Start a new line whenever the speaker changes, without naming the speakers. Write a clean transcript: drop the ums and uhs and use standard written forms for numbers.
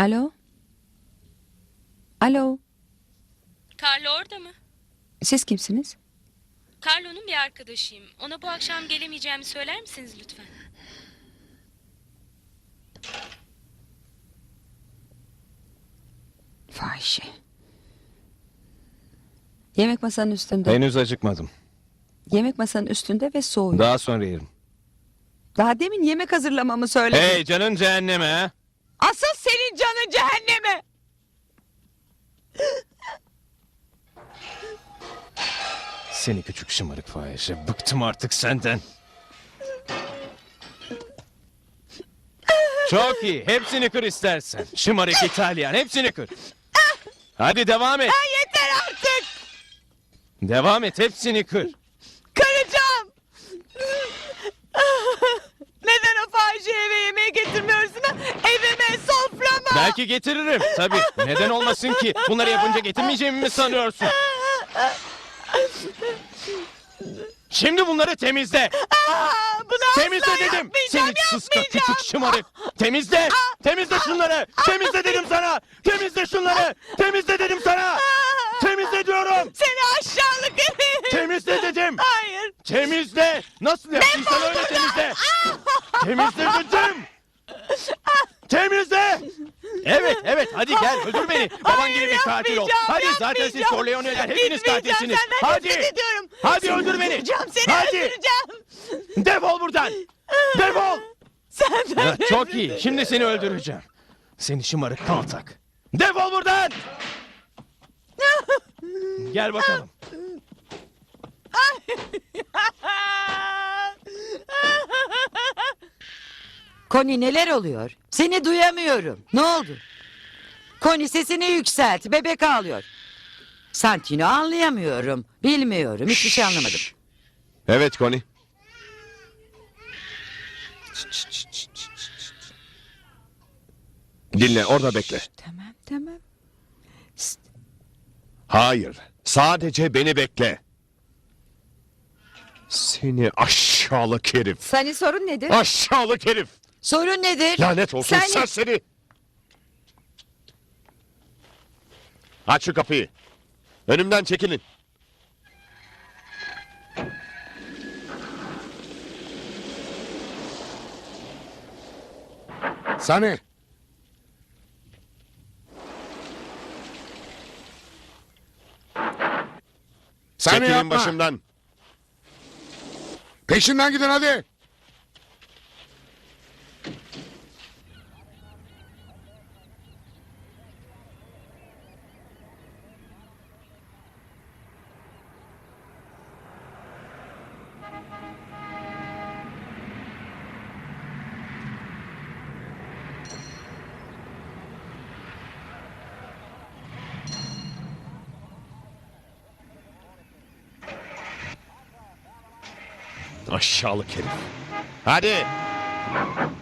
Alo? Alo?
Carlo orada mı?
Siz kimsiniz?
Carlo'nun bir arkadaşıyım. Ona bu akşam gelemeyeceğimi söyler misiniz lütfen?
Fahişe. Yemek masanın üstünde.
Henüz acıkmadım.
Yemek masanın üstünde ve soğuyor.
Daha sonra yerim.
Daha demin yemek hazırlamamı söyledin.
Hey canın cehenneme ha.
Asıl senin canın cehenneme.
Seni küçük şımarık fahişe. Bıktım artık senden. Çok iyi. Hepsini kır istersen. Şımarık İtalyan. Hepsini kır. Hadi devam et.
Yeter artık.
Devam et. Hepsini kır.
Kıracağım. Neden o fahişeyi eve yemeğe getirmiyorsun ha? Evime, soframa.
Belki getiririm. Tabii. Neden olmasın ki? Bunları yapınca getirmeyeceğimi mi sanıyorsun? Şimdi bunları temizle.
Bunu
Temizle
asla
dedim.
yapmayacağım,
Seni sıska
yapmayacağım.
küçük şımarık. Temizle. Temizle şunları. Temizle dedim sana. Temizle şunları. Temizle dedim sana. Temizle diyorum.
Seni aşağılık herif.
Temizle dedim.
Hayır.
Temizle. Nasıl yaptıysan öyle temizle. Temizle dedim. Temizle. Evet evet hadi gel öldür beni. Baban
Hayır,
gibi bir katil ol.
yapmayacağım,
Hadi zaten siz
yapmayacağım.
Corleone'ler hepiniz
Gitmeyeceğim,
katilsiniz.
senden
Hadi.
nefret ediyorum.
Hadi
Seni
öldür beni.
öldüreceğim, seni
Hadi.
öldüreceğim.
Defol buradan. Defol.
Senden
Ya, çok iyi. Şimdi seni öldüreceğim. Seni şımarık kaltak. Defol buradan. Gel bakalım.
Connie neler oluyor? Seni duyamıyorum. Ne oldu? Connie sesini yükselt. Bebek ağlıyor. Santino anlayamıyorum. Bilmiyorum. Hiçbir şey anlamadım.
Evet Connie. Dinle orada bekle.
Tamam tamam.
Hayır. Sadece beni bekle. Seni aşağılık herif.
Senin sorun nedir?
Aşağılık herif.
Sorun nedir?
Lanet olsun
Sen-
serseri. Aç şu kapıyı. Önümden çekilin. Sani.
Sani
Çekilin
yapma.
başımdan.
Peşinden gidin hadi.
Aşağılık herif. Hadi.